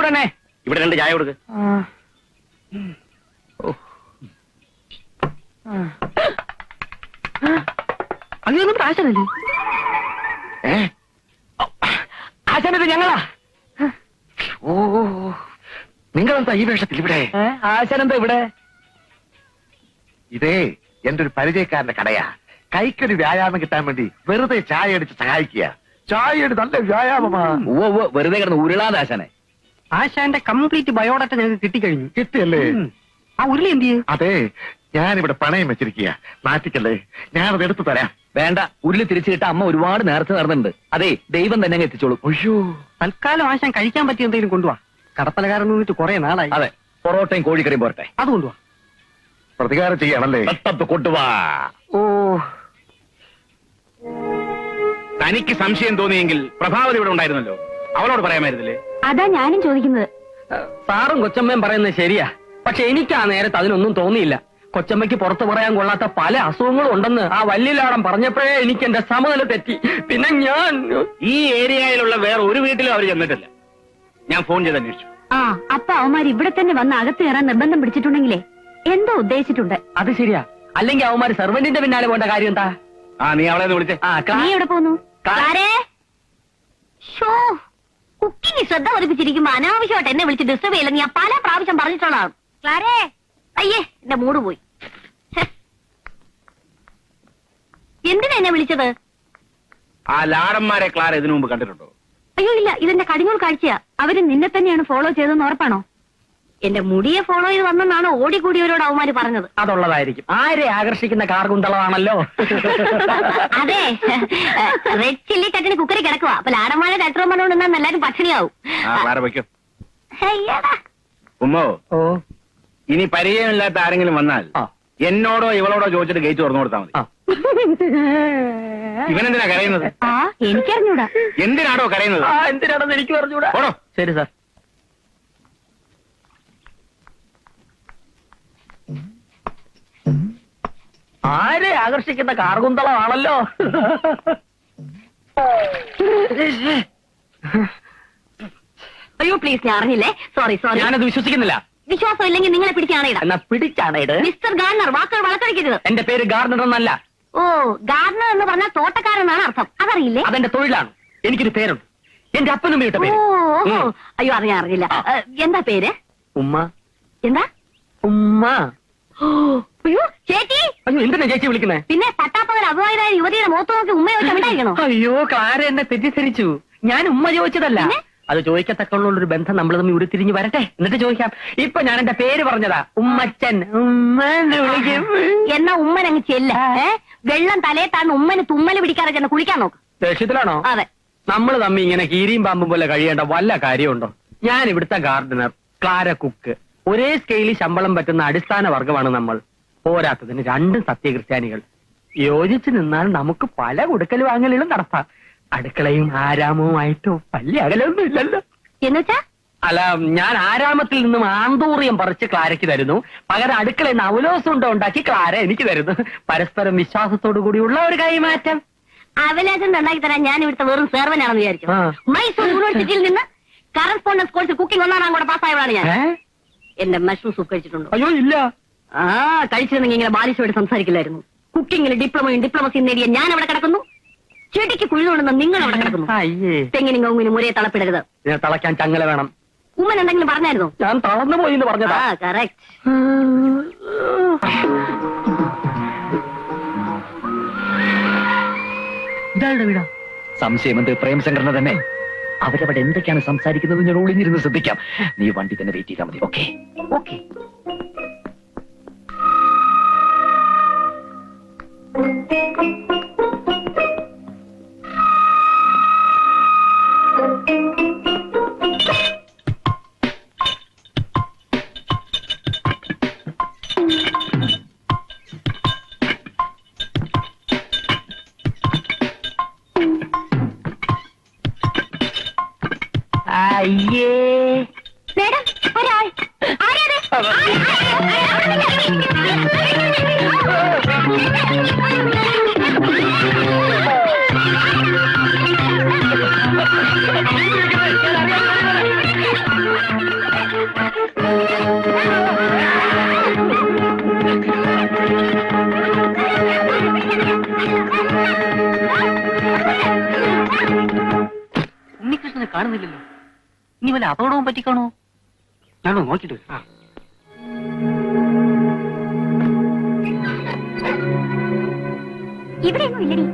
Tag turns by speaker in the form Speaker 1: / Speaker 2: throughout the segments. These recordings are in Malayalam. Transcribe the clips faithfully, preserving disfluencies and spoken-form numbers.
Speaker 1: ഉടനെ.
Speaker 2: ഇവിടെ രണ്ട് ചായ കൊടുക്ക്.
Speaker 1: അങ്ങനെയൊന്നും ആശാനല്ലേ?
Speaker 2: ഏ
Speaker 1: ആശാനത് ഞങ്ങളാ.
Speaker 2: ഓ നിങ്ങളെന്താ ഈ വേഷത്തിൽ ഇവിടെ?
Speaker 1: ആശാനെന്താ ഇവിടെ?
Speaker 2: ഇതേ എന്റെ ഒരു പരിചയക്കാരന്റെ കടയാ. കൈക്കൊരു വ്യായാമം കിട്ടാൻ വേണ്ടി വെറുതെ ചായ അടിച്ച് സഹായിക്കുക. ചായ അടി നല്ല വ്യായാമമാ.
Speaker 3: ഓ ഓ വെറുതെ കിടന്ന് ഉരുളാതെ ആശാനെ.
Speaker 1: ആശാന്റെ കംപ്ലീറ്റ് ബയോഡാറ്റ ഞങ്ങൾക്ക് കിട്ടിക്കഴിഞ്ഞു.
Speaker 2: കിട്ടിയല്ലേ?
Speaker 1: ആ ഉരുളി എന്ത് ചെയ്യും?
Speaker 2: അതെ ഞാനിവിടെ പണയം വെച്ചിരിക്കുക. നാട്ടിക്കല്ലേ, ഞാനത് എടുത്തു തരാം.
Speaker 3: വേണ്ട, ഉരുളി തിരിച്ചു കിട്ടാൻ അമ്മ ഒരുപാട് നേരത്തെ നടന്നിട്ടുണ്ട്. അതെ, ദൈവം തന്നെ അങ്ങ് എത്തിച്ചോളൂ.
Speaker 2: അയ്യോ,
Speaker 1: തൽക്കാലം ആശാൻ കഴിക്കാൻ പറ്റിയ എന്തെങ്കിലും കൊണ്ടുപോവാ. കടപ്പലകാരൻ നിന്നിട്ട് കുറെ നാളായി.
Speaker 3: അതെ, പൊറോട്ടയും കോഴിക്കറിയും പോരട്ടെ.
Speaker 1: അത് കൊണ്ടുപോവാ.
Speaker 2: പ്രതികാരം ചെയ്യാണല്ലേ?
Speaker 3: കൊണ്ടുവാ.
Speaker 1: ഓ,
Speaker 4: തനിക്ക് സംശയം തോന്നിയെങ്കിൽ പ്രഭാവതി ഇവിടെ ഉണ്ടായിരുന്നല്ലോ, അവളോട് പറയാമായിരുന്നില്ലേ?
Speaker 5: അതാ ഞാനും ചോദിക്കുന്നത്.
Speaker 1: സാറും കൊച്ചമ്മയും പറയുന്നത് ശരിയാ. പക്ഷെ എനിക്ക് ആ നേരത്ത് അതിനൊന്നും തോന്നിയില്ല. കൊച്ചമ്മയ്ക്ക് പുറത്തു പറയാൻ കൊള്ളാത്ത പല അസുഖങ്ങളും ഉണ്ടെന്ന് ആ വല്യലാടം പറഞ്ഞപ്പോഴേ എനിക്ക് എന്റെ സമനില തെറ്റി. പിന്നെ ഞാൻ
Speaker 4: ഈ ഏരിയയിലുള്ള വേറെ ഒരു വീട്ടിലും അവർ ചെന്നിട്ടില്ല. ഞാൻ ഫോൺ ചെയ്ത് അന്വേഷിച്ചു.
Speaker 5: ആ അപ്പൊ അവന്മാർ ഇവിടെ തന്നെ വന്ന് അകത്ത് കയറാൻ നിർബന്ധം പിടിച്ചിട്ടുണ്ടെങ്കിലേ എന്തോ ഉദ്ദേശിച്ചിട്ടുണ്ട്.
Speaker 1: അത് ശരിയാ. അല്ലെങ്കിൽ അവന്മാര് സെർവന്റിന്റെ പിന്നാലെ പോകേണ്ട കാര്യം എന്താ?
Speaker 4: ആ നീ അവളെ വിളിച്ചേ.
Speaker 1: ആ
Speaker 5: നീ എവിടെ പോന്നു? കുക്കിംഗ് ശ്രദ്ധ പതിപ്പിച്ചിരിക്കുമ്പോ അനാവശ്യമായിട്ട് എന്നെ വിളിച്ച് ഡിസ്റ്റർബ് ചെയ്യില്ല. ഞാൻ പല പ്രാവശ്യം പറഞ്ഞിട്ടുള്ളതാണ്. ക്ലാരേ, അയ്യേ എന്റെ മൂഡ് പോയി. എന്തിനാ എന്നെ വിളിച്ചത്?
Speaker 4: ആ ലാടന്മാരെ ക്ലാര ഇതിനു മുമ്പ് കണ്ടിട്ടുണ്ടോ?
Speaker 5: അയ്യോ ഇല്ല, ഇതെന്റെ കടിഞ്ഞൂൽ കാഴ്ചയാ. അവര് നിന്നെ തന്നെയാണ് ഫോളോ ചെയ്തെന്ന് ഉറപ്പാണോ? എന്റെ മുടിയെ ഫോളോ ചെയ്ത് വന്നെന്നാണ് ഓടിക്കൂടിയവരോട് അവന്മാര് പറഞ്ഞത്.
Speaker 1: അതുള്ളതായിരിക്കും. ആരെ ആകർഷിക്കുന്ന കാർഗുന്തളമാണല്ലോ.
Speaker 5: അതെ, റെഡ് ചില്ലി കട്ടിന് കുക്കറി കിടക്കുക. അപ്പൊ ലാടന്മാരെ കട്ടറും പറഞ്ഞുകൊണ്ട് നിന്നാൽ എല്ലാരും പട്ടിണിയാവും.
Speaker 4: ഉമ്മോ,
Speaker 1: ഓ
Speaker 4: ഇനി പരിചയമില്ലാത്ത ആരെങ്കിലും വന്നാൽ എന്നോടോ ഇവളോടോ ചോദിച്ചിട്ട് ഗേറ്റ് തുറന്നു കൊടുത്താൽ മതി. ഇവനെന്തിനാ കരയുന്നത്?
Speaker 5: ആ എനിക്കറിഞ്ഞൂടാ.
Speaker 4: എന്തിനാടോ കരയുന്നത്?
Speaker 1: ആ എന്തിനാണെന്ന് എനിക്ക് പറഞ്ഞൂടാ.
Speaker 4: ഓടോ.
Speaker 1: ശരി സാർ. ആരെ ആകർഷിക്കുന്ന കാർഗുന്തളമാണല്ലോ.
Speaker 5: അയ്യോ പ്ലീസ്, ഞാൻ അറിഞ്ഞില്ലേ. Sorry sorry.
Speaker 1: ഞാനത് വിശ്വസിക്കുന്നില്ല.
Speaker 5: വിശ്വാസം ഇല്ലെങ്കിൽ നിങ്ങളെ പിടിച്ചാണേടാ.
Speaker 1: എന്നാ പിടിച്ചാണേട്.
Speaker 5: മിസ്റ്റർ ഗാർണർ, വാക്കുകൾ വളർത്തടിക്കരുത്.
Speaker 1: എന്റെ പേര് ഗാർഡനർ എന്നല്ല.
Speaker 5: ഓ, ഗാർഡനർ എന്ന് പറഞ്ഞാൽ തോട്ടക്കാരെന്നാണ് അർത്ഥം. അതറിയില്ലേ?
Speaker 1: അതെന്റെ തൊഴിലാണ്. എനിക്കൊരു പേരുണ്ട്. എന്റെ അപ്പനും വീട്ട പേര്.
Speaker 5: ഓ, അയ്യോ അറിയാൻ അറിയില്ല. എന്താ പേര്?
Speaker 1: ഉമ്മ.
Speaker 5: എന്താ
Speaker 1: ഉമ്മ?
Speaker 5: അയ്യോ ചേച്ചി.
Speaker 1: അയ്യോ എന്തിനാ ചേച്ചി വിളിക്കുന്നേ?
Speaker 5: പിന്നെ പട്ടാപ്പകൽ അഭിമാനായ യുവതിയുടെ മുഖത്ത് നോക്കി ഉമ്മ ചോദിച്ചാൽ
Speaker 1: അയ്യോ ക്ലാര എന്നെ തെറ്റിദ്ധരിച്ചു. ഞാൻ ഉമ്മ ചോദിച്ചതല്ല. അത് ചോദിക്കത്തക്കുള്ള ഒരു ബന്ധം നമ്മൾ തമ്മിൽ ഉരുത്തിരിഞ്ഞ് വരട്ടെ, എന്നിട്ട് ചോദിക്കാം. ഇപ്പൊ ഞാൻ എന്റെ പേര് പറഞ്ഞതാ, ഉമ്മച്ചൻ. ഉമ്മന്ന് വിളിക്കും.
Speaker 5: എന്നാ ഉമ്മൻ അങ്ങ് ചെല്ല. വെള്ളം തലയെ താഴ്ന്ന് ഉമ്മന് തുമ്മല് പിടിക്കാതെ ചെന്ന് കുളിക്കാൻ നോക്ക്.
Speaker 1: ദേഷ്യത്തിലാണോ?
Speaker 5: അതെ.
Speaker 1: നമ്മൾ തമ്മി ഇങ്ങനെ കീരിയും പാമ്പും പോലെ കഴിയേണ്ട വല്ല കാര്യമുണ്ടോ? ഞാൻ ഇവിടുത്തെ ഗാർഡനർ, ക്ലാര കുക്ക്. ഒരേ സ്കെയിലിൽ ശമ്പളം പറ്റുന്ന അടിസ്ഥാന വർഗമാണ് നമ്മൾ. പോരാത്തതിന് രണ്ടും സത്യക്രിസ്ത്യാനികൾ. യോജിച്ചു നിന്നാൽ നമുക്ക് പല കൊടുക്കൽ വാങ്ങലുകളും നടത്താം. അടുക്കളയും ആരാമവുമായിട്ട് വലിയ അകലൊന്നും ഇല്ലല്ലോ.
Speaker 5: എന്നുവെച്ചാ?
Speaker 1: അല്ല, ഞാൻ ആരാമത്തിൽ നിന്നും ആന്തൂറിയം പറിച്ച് ക്ലാരയ്ക്ക് തരുന്നു. പകരം അടുക്കളയിൽ നിന്ന് അവലോസം ഉണ്ടോ ഉണ്ടാക്കി ക്ലാര എനിക്ക് തരുന്നു. പരസ്പരം വിശ്വാസത്തോടു കൂടിയുള്ള ഒരു കൈമാറ്റം.
Speaker 5: അവലോസം ഉണ്ടാക്കി തരാൻ ഞാൻ ഇവിടുത്തെ വെറും സേർവനാണെന്ന് വിചാരിച്ചു. മൈസൂർ യൂണിവേഴ്സിറ്റിയിൽ നിന്ന് കറസ്പോണ്ടൻസ് കോഴ്സ് കുക്കിംഗ് ഒന്നാം കൂടെ പാസ്സായവളാണ് ഞാൻ. എന്റെ മഷ്റൂം സൂപ്പ് കഴിച്ചിട്ടുണ്ടോ?
Speaker 1: അയ്യോ ഇല്ല.
Speaker 5: ആ കഴിച്ചിരുന്നെങ്കിൽ ഇങ്ങനെ ബാലിശോട് സംസാരിക്കില്ലായിരുന്നു. കുക്കിങ്ങിൽ ഡിപ്ലോമയും ഡിപ്ലോമസിയും നേടിയ ഞാൻ അവിടെ കിടക്കുന്നു. ചെടിക്ക് കുഴിതുകൊണ്ടെന്ന് നിങ്ങൾ അവിടെ കിടക്കുന്നു. തെങ്ങിനും കവുങ്ങിനും ഒരേ തളപ്പിടരുത്.
Speaker 1: തളയ്ക്കാൻ ചങ്ങല വേണം.
Speaker 5: ഉമ്മൻ എന്തെങ്കിലും പറഞ്ഞായിരുന്നോ?
Speaker 1: ഞാൻ തളർന്നു പോയി എന്ന് പറഞ്ഞതാ.
Speaker 5: കറക്റ്റ്.
Speaker 1: ഇതാരുടെ വീടാ?
Speaker 3: സംശയം എന്ത്? പ്രേമശങ്കറിനെ തന്നെ. അവരവിടെ എന്തൊക്കെയാണ് സംസാരിക്കുന്നത് ഞാൻ ഒളിഞ്ഞിരുന്ന് ശ്രദ്ധിക്കാം. നീ വണ്ടി തന്നെ വെയിറ്റ് ചെയ്താൽ മതി. Okay okay.
Speaker 1: അയ്യേ
Speaker 5: മേഡം, ഒരാൾ. ആരാത്?
Speaker 1: ഇനി വല്ല അപകടവും പറ്റിക്കാണോ? ഞാനോ നോക്കിട്ട് വരാം.
Speaker 5: ഇവിടെ ഇല്ലടി.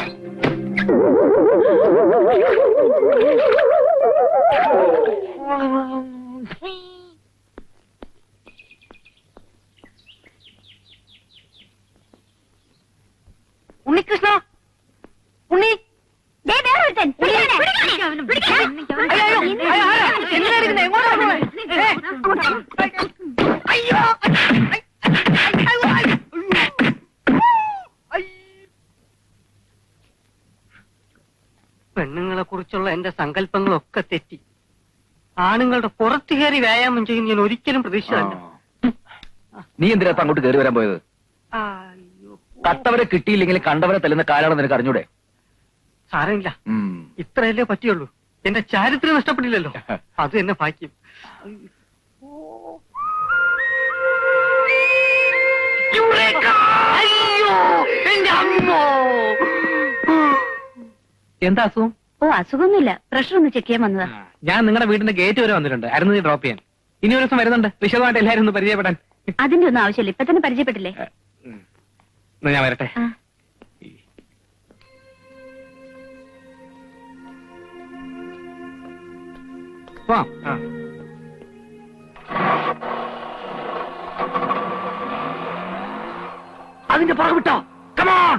Speaker 6: ഉണ്ണികൃഷ്ണ, ഉണ്ണി,
Speaker 1: പെണ്ണുങ്ങളെ കുറിച്ചുള്ള എന്റെ സങ്കല്പങ്ങളൊക്കെ തെറ്റി. ആണുങ്ങളുടെ പുറത്തു കയറി വ്യായാമം ചെയ്യും ഞാൻ ഒരിക്കലും പ്രതീക്ഷിച്ചതല്ല.
Speaker 3: നീ എന്തിനാ അങ്ങോട്ട് കയറി വരാൻ പോയത്? കട്ടവരെ കിട്ടിയില്ലെങ്കിൽ കണ്ടവരെ തല്ലുന്ന കാലാണെന്ന് നിനക്ക് അറിഞ്ഞൂടെ?
Speaker 1: സാരമില്ല, ഇത്രയല്ലേ പറ്റിയുള്ളൂ. എന്റെ ചാരിത്രം നഷ്ടപ്പെട്ടില്ലല്ലോ, അത് എന്നെ ഭാഗ്യം. എന്താ അസുഖം?
Speaker 5: ഓ, അസുഖമൊന്നുമില്ല. പ്രഷർ ഒന്ന് ചെക്ക് ചെയ്യാൻ വന്നതാ.
Speaker 1: ഞാൻ നിങ്ങളുടെ വീടിന്റെ ഗേറ്റ് വരെ വന്നിട്ടുണ്ട്. അരുന്ന് ഡ്രോപ്പ് ചെയ്യാൻ. ഇനി ഒരു ദിവസം വരുന്നുണ്ട്, വിശദമായിട്ട് എല്ലാവരും ഒന്ന് പരിചയപ്പെടാൻ.
Speaker 5: അതിന്റെ ഒന്നും ആവശ്യമില്ല, ഇപ്പൊ തന്നെ പരിചയപ്പെട്ടില്ലേ.
Speaker 1: ഞാൻ വരട്ടെ.
Speaker 2: അതിന്റെ പുറകെ വിട്ടോ. കമോൺ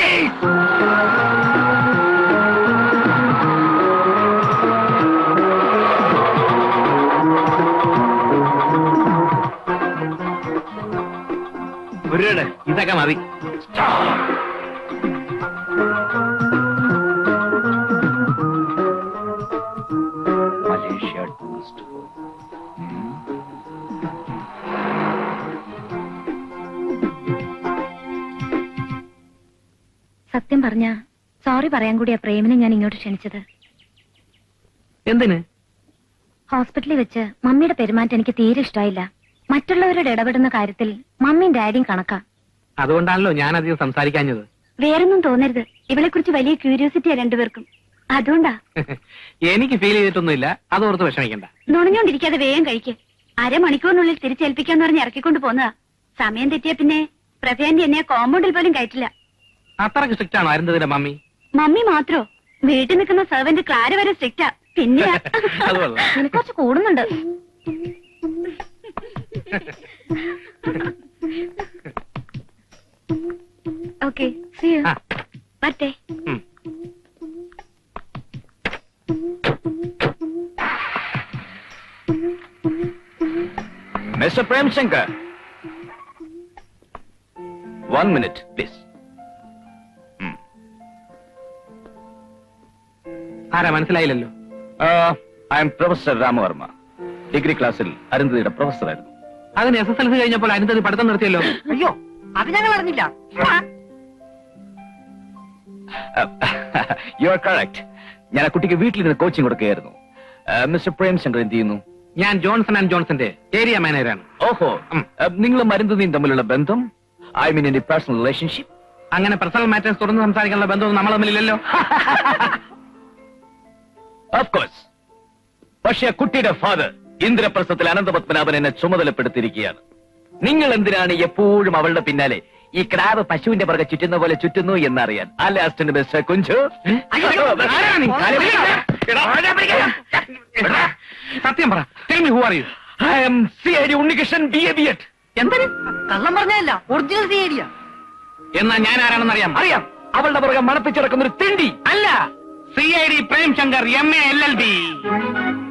Speaker 1: ഒരു ഇതൊക്കെ മതി.
Speaker 3: Malaysia tourist.
Speaker 5: സത്യം പറഞ്ഞ സോറി പറയാൻ കൂടിയാ പ്രേമിനെ ഞാൻ ഇങ്ങോട്ട് ക്ഷണിച്ചത്.
Speaker 1: എന്തിന്?
Speaker 5: ഹോസ്പിറ്റലിൽ വെച്ച് മമ്മിയുടെ പെരുമാറ്റം എനിക്ക് തീരെ ഇഷ്ടമായില്ല. മറ്റുള്ളവരോട് ഇടപെടുന്ന കാര്യത്തിൽ മമ്മിയും ഡാഡിയും കണക്കാ.
Speaker 1: അതുകൊണ്ടാണല്ലോ ഞാൻ അധികം സംസാരിക്കാഞ്ഞത്.
Speaker 5: വേറൊന്നും തോന്നരുത്, ഇവളെ കുറിച്ച് വലിയ ക്യൂരിയോസിറ്റിയാ രണ്ടുപേർക്കും. അതുകൊണ്ടാ.
Speaker 1: എനിക്ക് ഫീൽ ചെയ്തിട്ടൊന്നുമില്ല, അതോർത്ത് വിഷമിക്കണ്ട.
Speaker 5: നുണഞ്ഞോണ്ടിരിക്കാതെ വേഗം കഴിക്ക്. അരമണിക്കൂറിനുള്ളിൽ തിരിച്ചേൽപ്പിക്കാന്ന് പറഞ്ഞ് ഇറക്കിക്കൊണ്ട് പോന്നതാ. സമയം തെറ്റിയ പിന്നെ പ്രഭയാന്റി എന്നെ കോമ്പൗണ്ടിൽ പോലും കയറ്റില്ല.
Speaker 1: അത്രക്ക് സ്ട്രിക്റ്റ് ആണോ അരുന്നതിന്റെ മമ്മി?
Speaker 5: മമ്മി മാത്രോ? വീട്ടിൽ നിൽക്കുന്ന സെർവന്റ് ക്ലാര വരെ സ്ട്രിക്റ്റാ. പിന്നെ നിനക്ക് കുറച്ച് കൂടുന്നുണ്ട്. ഓക്കെ, വരട്ടെ.
Speaker 3: Mister Premshankar, one minute please.
Speaker 1: ആരാ മനസ്സിലായില്ലല്ലോ?
Speaker 3: I am professor Ramavarma. Degree ക്ലാസ്സിൽ അരുന്ധതിയുടെ പ്രൊഫസറായിരുന്നു.
Speaker 1: അതിന് എസ് എസ് എൽ സി കഴിഞ്ഞപ്പോൾ അരുന്ധതി പഠിത്തം നിർത്തിയല്ലോ.
Speaker 6: അയ്യോ, അത് ഞങ്ങൾ അറിഞ്ഞില്ല.
Speaker 3: You are correct. ഞാൻ ആ കുട്ടിക്ക് വീട്ടിൽ നിന്ന് കോച്ചിങ് കൊടുക്കുകയായിരുന്നു. മിസ്റ്റർ പ്രേംശങ്കർ എന്ത് ചെയ്യുന്നു?
Speaker 1: ഞാൻ ജോൺസൺ ആൻഡ് ജോൺസന്റെ ഏരിയ മാനേജറാണ്.
Speaker 3: ഓഹോ, നിങ്ങളും അരുന്ധതിയും തമ്മിലുള്ള ബന്ധം, I mean in personal relationship?
Speaker 1: അങ്ങനെ പേഴ്സണൽ മാറ്റേഴ്സ് തുറന്ന് സംസാരിക്കാനുള്ള ബന്ധമൊന്നും നമ്മൾ തമ്മിലില്ലല്ലോ.
Speaker 3: Of course. പക്ഷേ കുട്ടിയുടെ ഫാദർ ഇന്ദ്രപ്രസ്ഥത്തിൽ അനന്തപത്മനാഭൻ എന്നെ ചുമതലപ്പെടുത്തിയിരിക്കുകയാണ്. നിങ്ങൾ എന്തിനാണ് എപ്പോഴും അവളുടെ പിന്നാലെ ഈ ക്രാവ് പശുവിന്റെ പുറകെ ചുറ്റുന്ന പോലെ ചുറ്റുന്നു എന്നറിയാൻ. അല്ലെ അസിസ്റ്റന്റ് മിസ്റ്റർ കുഞ്ചു?
Speaker 1: സത്യം പറ. Tell me who are you?
Speaker 3: I am C I D Unnikrishnan B A B Ed.
Speaker 6: എന്തിന്? കള്ളം പറഞ്ഞല്ല, ഒറിജിനൽ സിഐഡിയാ.
Speaker 1: എന്നാ ഞാൻ ആരാണെന്ന് അറിയാം?
Speaker 3: അറിയാം. അവളുടെ പുറകെ മണപ്പിച്ചിറക്കുന്ന ഒരു തിണ്ടി
Speaker 1: അല്ല. C I D Premshankar M A L L B.